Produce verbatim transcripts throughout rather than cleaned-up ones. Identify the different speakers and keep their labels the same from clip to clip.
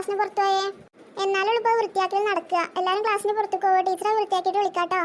Speaker 1: ക്ലാസ്സിന് പുറത്തു പോയേ? എന്നാലും ഇപ്പോൾ വൃത്തിയാക്കൽ നടക്കുക. എല്ലാവരും ക്ലാസ്സിന് പുറത്തു പോവുക. ടീച്ചറെ വൃത്തിയാക്കിയിട്ട് വിളിക്കാട്ടോ.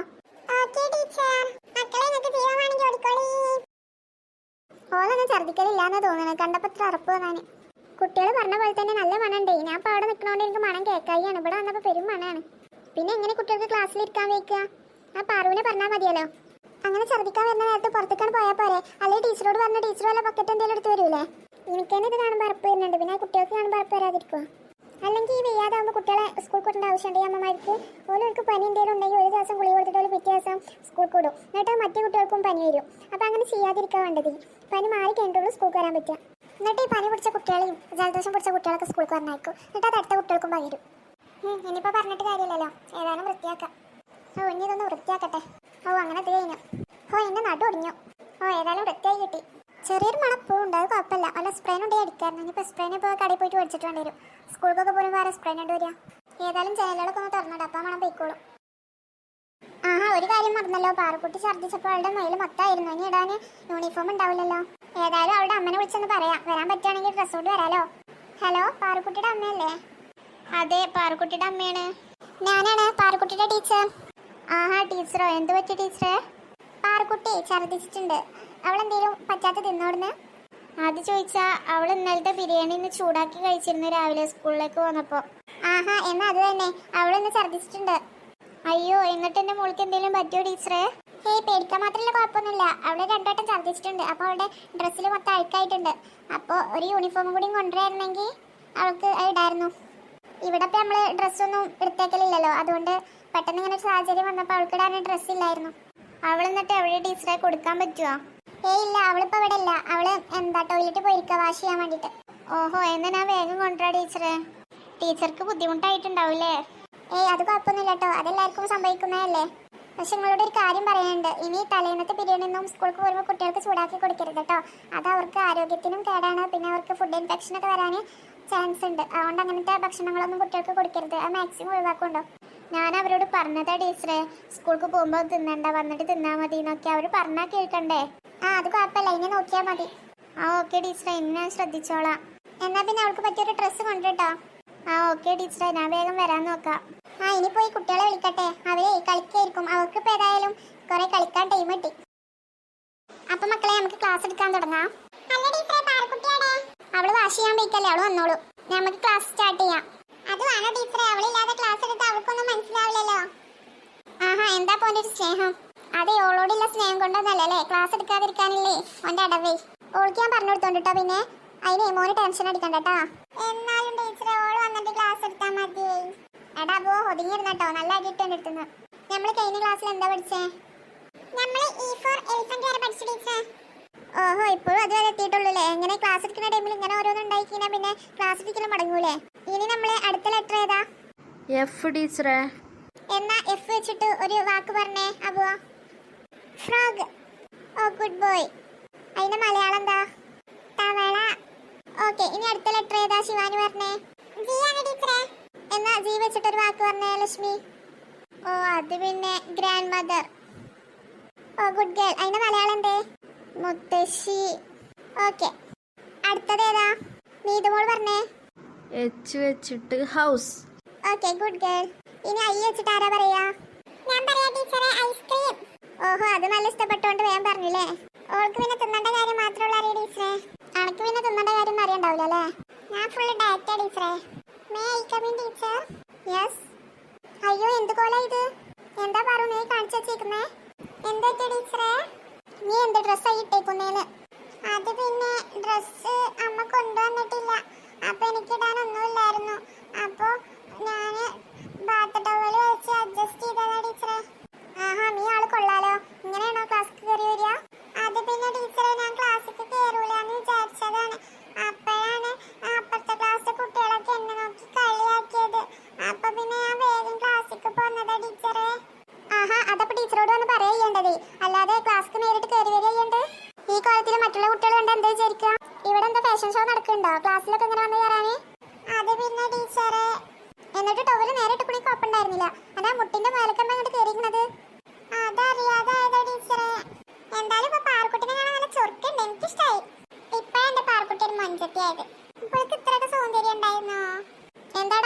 Speaker 1: ഓളൊന്നും ഛർദ്ദിക്കലില്ലാന്ന് തോന്നുന്നു. കണ്ടപ്പോൾ ഇത്ര അറപ്പ് തോന്നാൻ. കുട്ടികൾ പറഞ്ഞ പോലെ തന്നെ നല്ല മണമുണ്ടേ. ഞാൻ ഇപ്പോൾ അവിടെ നിൽക്കണോണ്ട് എനിക്ക് മണം കേൾക്കായിയാണ്. ഇവിടെ വന്നപ്പോൾ പെരും മണമാണ്. പിന്നെ എങ്ങനെ കുട്ടികൾക്ക് ക്ലാസ്സിലിരിക്കാൻ വയ്ക്കുക? ആ പാറുവിനെ പറഞ്ഞാൽ മതിയല്ലോ. അങ്ങനെ ഛർദ്ദിക്കാൻ വരുന്ന നേരത്തെ പുറത്തേക്കാണ് പോയാൽ പോരെ? അല്ലെങ്കിൽ ടീച്ചറോട് പറഞ്ഞ ടീച്ചർ വല്ല ബക്കറ്റ് എന്തെങ്കിലും എടുത്ത് വരൂലേ? എനിക്ക് തന്നെ ഇത് കാണുമ്പോൾ അറപ്പ് വരുന്നുണ്ട്. പിന്നെ കുട്ടികൾക്ക് കാണുമ്പോൾ അറപ്പ് വരാതിരിക്കുക. അല്ലെങ്കിൽ ഈ വെയ്യാതാകുമ്പോൾ കുട്ടികളെ സ്കൂൾ കൂട്ടേണ്ട ആവശ്യമുണ്ടെങ്കിൽ അമ്മമാർക്ക് ഓരോർക്ക് പനി എന്തെങ്കിലും ഉണ്ടെങ്കിൽ ഒരു ദിവസം ഗുളിക കൊടുത്തിട്ട് പിറ്റേ ദിവസം സ്കൂൾ കൂടും. എന്നിട്ട് മറ്റു കുട്ടികൾക്കും പനി വരും. അപ്പോൾ അങ്ങനെ ചെയ്യാതിരിക്കാൻ വേണ്ടത്. പനി മാറി കഴിഞ്ഞിട്ടുള്ളൂ സ്കൂൾക്ക് വരാൻ പറ്റുക. എന്നിട്ട് ഈ പനി പിടിച്ച കുട്ടികളെയും ജലദോഷം പിടിച്ച കുട്ടികളൊക്കെ സ്കൂൾക്ക് വന്നേക്കും. എന്നിട്ട് അത് അടുത്ത കുട്ടികൾക്കും പകരും. ഇനിയിപ്പോൾ പറഞ്ഞിട്ട് കാര്യമില്ലല്ലോ. ഏതായാലും വൃത്തിയാക്കാം. ഓ ഇനി ഇതൊന്ന് വൃത്തിയാക്കട്ടെ. ഓ അങ്ങനെ അത് കഴിഞ്ഞു. ഓ എന്നെ നടു ഒടിഞ്ഞു. ഓ ഏതായാലും വൃത്തിയായി കിട്ടി. ചെറിയൊരു മണപ്പൂണ്ട്. അത് കുഴപ്പമില്ല. വല്ല സ്പ്രേനുണ്ടെങ്കിൽ അടിക്കായിരുന്നു. ഇനിയിപ്പോൾ സ്പ്രേനെ ഇപ്പോൾ കടയിൽ പോയിട്ട് മേടിച്ചിട്ട് വേണ്ടി വരും. സ്കൂൾക്കൊക്കെ പോലും വേറെ സ്പ്രേനുണ്ട് വരിക. ഏതായാലും ജനലുകളൊക്കെ ഒന്ന് തുറന്നിട്ട് അപ്പം മണം പോയിക്കോളും. ആഹാ ഒരു കാര്യം മറന്നല്ലോ. പാറക്കുട്ടി ഛർദ്ദിച്ചപ്പോൾ അവളുടെ മയിൽ മൊത്തമായിരുന്നു. ഇനി ഇടാൻ യൂണിഫോം ഉണ്ടാവില്ലല്ലോ. ഏതായാലും അവളുടെ അമ്മനെ വിളിച്ചൊന്ന് പറയാം. വരാൻ പറ്റുകയാണെങ്കിൽ ഡ്രസ്സ് കൊണ്ട് വരാലോ. ഹലോ പാറക്കുട്ടിയുടെ അമ്മയല്ലേ? അതെ പാറക്കുട്ടിയുടെ അമ്മയാണ്. ഞാനാണ് പാറക്കുട്ടിയുടെ ടീച്ചർ. ആഹാ ടീച്ചറോ? എന്ത് പറ്റി ടീച്ചറെ? പാറക്കുട്ടി ഛർദ്ദിച്ചിട്ടുണ്ട്. അവളെന്തേലും പറ്റാത്ത തിന്നോടുന്ന്? അത് ചോദിച്ചാ അവൾ ഇന്നലത്തെ ബിരിയാണി ഇന്ന് ചൂടാക്കി കഴിച്ചിരുന്നു രാവിലെ സ്കൂളിലേക്ക് വന്നപ്പോൾ. ആഹാ എന്നാ അത് തന്നെ. അവളിന്ന് ഛർദ്ദിച്ചിട്ടുണ്ട്. അയ്യോ എന്നിട്ട് എൻ്റെ മോൾക്ക് എന്തെങ്കിലും പറ്റിയോ ടീച്ചറെ? ഹേയ് പേടിക്കാൻ മാത്രമല്ല കുഴപ്പമൊന്നുമില്ല. അവളെ രണ്ടോട്ടം ഛർദ്ദിച്ചിട്ടുണ്ട്. അപ്പോൾ അവളുടെ ഡ്രസ്സിൽ മൊത്തം അഴുക്കായിട്ടുണ്ട്. അപ്പോൾ ഒരു യൂണിഫോമും കൂടി കൊണ്ടുവരായിരുന്നെങ്കിൽ അവൾക്ക് ഇടായിരുന്നു. ഇവിടെ ഇപ്പം നമ്മൾ ഡ്രസ്സൊന്നും എടുത്തേക്കലില്ലല്ലോ. അതുകൊണ്ട് പെട്ടെന്ന് ഇങ്ങനെ ഒരു സാഹചര്യം വന്നപ്പോൾ അവൾക്ക് ഇടാൻ ഡ്രസ്സ് ഇല്ലായിരുന്നു. അവൾ എന്നിട്ട് എവിടെ ടീച്ചറെ കൊടുക്കാൻ പറ്റുമോ? ഏയ് ഇല്ല അവളിപ്പോൾ ഇവിടെ ഇല്ല. അവള് എന്താ ടോയ്ലറ്റിൽ പോയിരിക്കുക വാഷ് ചെയ്യാൻ വേണ്ടിയിട്ട്. ഓഹോ എന്നാ ഞാൻ വേഗം കൊണ്ടുവരാ ടീച്ചറെ. ടീച്ചർക്ക് ബുദ്ധിമുട്ടായിട്ടുണ്ടാവില്ലേ? ഏയ് അത് കുഴപ്പമൊന്നുമില്ല കേട്ടോ. അതെല്ലാവർക്കും സംഭവിക്കുന്നതല്ലേ. പക്ഷെ നിങ്ങളോട് ഒരു കാര്യം പറയാനുണ്ട്. ഇനി തലേന്നത്തെ ബിരിയാണി ഒന്നും സ്കൂൾക്ക് വരുമ്പോൾ കുട്ടികൾക്ക് ചൂടാക്കി കൊടുക്കരുത് കേട്ടോ. അത് അവർക്ക് ആരോഗ്യത്തിനും കേടാണ്. പിന്നെ അവർക്ക് ഫുഡ് ഇൻഫെക്ഷൻ ഒക്കെ വരാൻ ചാൻസ് ഉണ്ട്. അതുകൊണ്ട് അങ്ങനത്തെ ഭക്ഷണങ്ങളൊന്നും കുട്ടികൾക്ക് കൊടുക്കരുത്. അത് മാക്സിമം ഒഴിവാക്കുണ്ടോ. ഞാൻ അവരോട് പറഞ്ഞതാ ടീച്ചറെ സ്കൂൾക്ക് പോകുമ്പോൾ തിന്നണ്ട, വന്നിട്ട് തിന്നാൽ മതി എന്നൊക്കെ അവർ പറഞ്ഞാൽ കേൾക്കണ്ടേ? ആ അത് കുഴപ്പമില്ല. ഇനി നോക്കിയാൽ മതി. ആ ഓക്കെ ടീച്ചറെ ഇനി ഞാൻ ശ്രദ്ധിച്ചോളാം. എന്നാൽ പിന്നെ അവൾക്ക് പറ്റിയൊരു ഡ്രസ്സ് കൊണ്ടുട്ടോ. ആ ഓക്കെ ടീച്ചറെ ഞാൻ വേഗം വരാൻ നോക്കാം. ആ ഇനി പോയി കുട്ടികളെ വിളിക്കട്ടെ. അവരെ കളിക്കായിരിക്കും. അവർക്ക് ഇപ്പോൾ ഏതായാലും കുറെ കളിക്കാൻ ടൈം കിട്ടി. അപ്പം മക്കളെ നമുക്ക് ക്ലാസ് എടുക്കാൻ തുടങ്ങാം. അവള് വാഷ് ചെയ്യാൻ പോയിക്കല്ലേ. അവള് വന്നോളൂ. നമുക്ക് ക്ലാസ് സ്റ്റാർട്ട് ചെയ്യാം. അത് വേണോ ടീച്ചറെ? അവളില്ലാതെ ക്ലാസ് എടുത്ത് അവൾക്കൊന്നും മനസ്സിലാവില്ലല്ലോ. ആഹാ എന്താ പോന്റെ ഒരു സ്നേഹം? അതെ ഓളോടുള്ള സ്നേഹം കൊണ്ടൊന്നല്ലേ ക്ലാസ് എടുക്കാതിരിക്കാനില്ലേ ഓന്റെ അടവേ. ഓൾക്ക് ഞാൻ പറഞ്ഞു കൊടുത്തോണ്ടിട്ടോ. പിന്നെ അതിന് മോന് ടെൻഷൻ അടിക്കണ്ടട്ടാ. എന്നാലും ടീച്ചറെ ഓള് വന്നിട്ട് ക്ലാസ് എടുത്താൽ മതി. എടാ പോ ഒതുങ്ങിയിരുന്നട്ടോ. നല്ല അടിയിട്ടുണ്ട് എടുത്തുന്നത്. നമ്മൾ കഴിഞ്ഞ ക്ലാസ്സിൽ എന്താ പഠിച്ചേ? നമ്മൾ ഇ ഫോർ എലിഫന്റ് വരെ പഠിച്ചു ടീച്ചർ. ഓഹോ ഇപ്പോഴും അത് വരെ എത്തിയിട്ടുള്ളൂല്ലേ. എങ്ങനെ ക്ലാസ് എടുക്കുന്ന ടൈമിൽ ഇങ്ങനെ ഓരോന്നും ഉണ്ടായിക്കഴിഞ്ഞാൽ പിന്നെ ക്ലാസ് എടുക്കലും മടങ്ങൂലേ? ഇനി നമ്മളെ അടുത്ത ലെറ്റർ ഏതാ?
Speaker 2: എഫ് ടീച്ചറെ.
Speaker 1: എന്നാ എഫ് വെച്ചിട്ട് ഒരു വാക്ക് പറഞ്ഞേ അബുവ. ഫ്രോഗ്. Oh good boy. അതിന്റെ മലയാളം എന്താ? തവള. ഓക്കെ ഇനി അടുത്ത ലെറ്റർ ഏതാ ശിവാനി പറഞ്ഞേ? ജി ആണ് ടീച്ചറെ. എന്നാ ജി വെച്ചിട്ടൊരു വാക്ക് പറഞ്ഞേ ലക്ഷ്മി. ഓ അത് പിന്നെ grandmother. Oh good girl. അതിന്റെ മലയാളം എന്തേ? മുത്തശ്ശി. ഓക്കെ അടുത്തത് ഏതാ? നീതുമോൾ പറഞ്ഞേ.
Speaker 2: എച്ച് വെച്ചിട്ട് ഹൗസ്.
Speaker 1: Okay good girl. ഇനി ഐ വെച്ചിട്ട് ആരാ പറയാ? ഞാൻ പറയാ ടീച്ചറെ ഐസ്ക്രീം. ഓഹോ അത് നല്ല ഇഷ്ടപ്പെട്ടോണ്ട് വേഗം പറഞ്ഞില്ലേ. ഓൾക്ക് പിന്നെ തിന്നേണ്ട കാര്യം മാത്രമുള്ള അറിയ ടീച്ചറെ. അനക്ക് പിന്നെ തിന്നേണ്ട കാര്യം അറിയണ്ടാവില്ല അല്ലേ? ഞാൻ ഫുള്ള് ഡയറ്റാ ടീച്ചറെ. May I come in teacher? Yes. അയ്യോ എന്ത് കോലാ ഇത്? എന്താ പറു നീ കാണിച്ചു വെച്ചേക്കുന്നേ? എന്താ ടീച്ചറെ? നീ എന്ത് ഡ്രസ്സായി ഇട്ടേക്കുന്നേന്ന്? അത് പിന്നെ ഡ്രസ്സ് അമ്മ കൊണ്ടുവന്നിട്ടില്ല. അപ്പൊ എനിക്കിടാനൊന്നുമില്ലായിരുന്നു. അപ്പൊ ഞാന് ബാത്ത് ടവല് വെച്ച് അഡ്ജസ്റ്റ് ചെയ്തതാ ടീച്ചറെ. ആഹാ നീ ആള് കൊള്ളാലോ. ഇങ്ങനെയാണോ ക്ലാസ്സിൽ കയറി വരിക? അത് പിന്നെ ടീച്ചറെ ഞാൻ ക്ലാസ്സിൽ കയറൂലെന്ന് വിചാരിച്ചതാണ്. അപ്പോഴാണ് അപ്പുറത്തെ ക്ലാസ്സിലെ കുട്ടികളൊക്കെ എന്നെ നോക്കി കളിയാക്കിയത്. അപ്പൊ പിന്നെ ഞാൻ വേഗം ക്ലാസ്സിൽ പോന്നതാ ടീച്ചറെ. ആഹാ അതപ്പോ ടീച്ചറോട് വന്ന് പറയേണ്ടത്, അല്ലാതെ ക്ലാസ്സിൽ നേരിട്ട് കയറി വരികയുണ്ട്. ഈ കാലത്തിൽ മറ്റുള്ള കുട്ടികൾ കണ്ട് എന്താ വിചാരിക്കുക? ഇവിടെ എന്താ ഫാഷൻ ഷോ നടക്കുന്നുണ്ടോ ക്ലാസ്സിലൊക്കെ ഇങ്ങനെ വന്ന് കയറാന്? അത് പിന്നെ ടീച്ചറെ. എന്നിട്ട് ടവല് നേരിട്ട് കുടി കുഴപ്പമുണ്ടായിരുന്നില്ല. അതാ മുട്ടിന്റെ മേലക്കണ്ട അങ്ങോട്ട് കയറിയിരിക്കുന്നത്. അതറിയാതായതാ ടീച്ചറെ. എന്തായാലും ഇപ്പൊ പാർക്കുട്ടിനെ കാണാൻ നല്ല ചൊറുക്കുണ്ട്. എനിക്കിഷ്ടായി. ഇപ്പഴാ എന്റെ പാർക്കുട്ടി ഒരു മഞ്ചത്തിയായത്. ഇപ്പോഴേക്ക് ഇത്രയൊക്കെ സൗന്ദര്യം ഉണ്ടായിരുന്നോ? എന്താ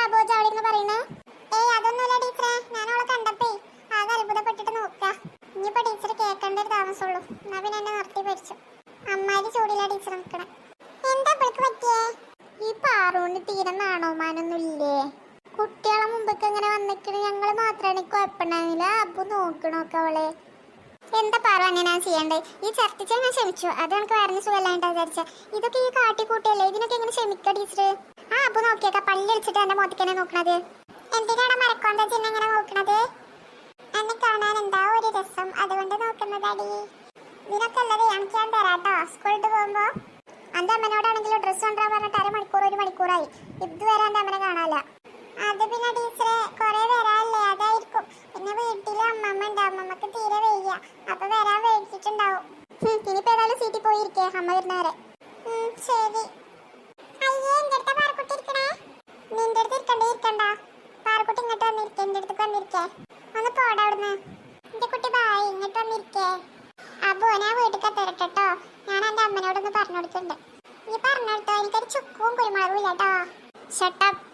Speaker 1: എന്നാ പിന്നെ എന്നെ നിർത്തി ഭരിച്ചു. അമ്മാരി ചൂടിലാ ടീച്ചർ നിൽക്കണേ. എന്താ ഇവൾക്ക് പറ്റിയേ? ഈ പാറൂന് തീരെ നാണോമാനൊന്നും ഇല്ലേ? കുട്ടികളെ മുമ്പൊക്കെ ഇങ്ങനെ വന്നിക്കണ്. ഞങ്ങള് മാത്രമാണ് കുഴപ്പമുണ്ടായിരുന്നില്ല. അപ്പൊ നോക്കണോക്കെ അവളെ. എന്താ പറ അങ്ങനെ ചെയ്യണ്ടേ? ഈ ഛർദ്ദിച്ചാൽ ഞാൻ ക്ഷമിച്ചു. അത് എനിക്ക് വയറിന് സുഖമില്ലാണ്ടാ വിചാരിച്ച. ഇതൊക്കെ ഈ കാട്ടിക്കൂട്ടിയല്ലേ, ഇതിനൊക്കെ എങ്ങനെ ക്ഷമിക്ക ടീച്ചർ? ആ അപ്പൊ നോക്കിയേക്ക പള്ളി അടിച്ചിട്ട് എന്റെ മുഖത്തേക്ക് നോക്കണത്. എന്തിനാണ് മരക്കോന്ത ചിഹ്നം ഇങ്ങനെ നോക്കണത്? എന്നെ കാണാൻ എന്താ ഒരു രസം, അതുകൊണ്ട് നോക്കുന്നതടി. ഇതിനൊക്കെ ഉള്ളത് എനിക്ക് ഞാൻ തരാട്ടോ സ്കൂളിട്ട് പോകുമ്പോ. എന്റെ അമ്മനോടാണെങ്കിലും ഡ്രസ്സ് കൊണ്ടുവരാൻ പറഞ്ഞിട്ട് അരമണിക്കൂർ ഒരു മണിക്കൂറായി. ഇതുവരെ എന്റെ അമ്മനെ കാണാല്ല. അത് പിന്നെ ടീച്ചറെ കുറെ വരാല്ലേ, അതായിരിക്കും. പിന്നെ വീട്ടില് അമ്മമ്മ ഉണ്ട്, അമ്മമ്മക്ക് തീരെ വയ്യ, അപ്പൊ വരാൻ വേടിച്ചിട്ടുണ്ടാവും. ഇനിയിപ്പോ ഏതായാലും സീറ്റിൽ പോയിരിക്കേ അമ്മ വരുന്നവരെ. ശരി. അയ്യേ എന്റെ അടുത്ത പാറക്കുട്ടി ഇരിക്കണേ. നിന്റെ അടുത്ത് ഇരിക്കണ്ടേ? ഇരിക്കണ്ട. പാറക്കുട്ടി ഇങ്ങോട്ട് വന്നിരിക്കേ, എന്റെ അടുത്ത് വന്നിരിക്കേ. ഒന്ന് പോടാ അവിടുന്ന്. എന്റെ കുട്ടി ബായ്, ഇങ്ങോട്ട് വന്നിരിക്കേ. അപ്പോ ഞാൻ വീട്ടിൽ തരട്ടോ. ഞാൻ എന്റെ അമ്മനോടൊന്ന് പറഞ്ഞു കൊടുത്തിട്ടുണ്ട്. നീ പറഞ്ഞു കൊടുത്തോ, എനിക്കൊരു ചുക്കും കുരുമുളകും ഇല്ല കേട്ടോ. ഷട്ടപ്പ്.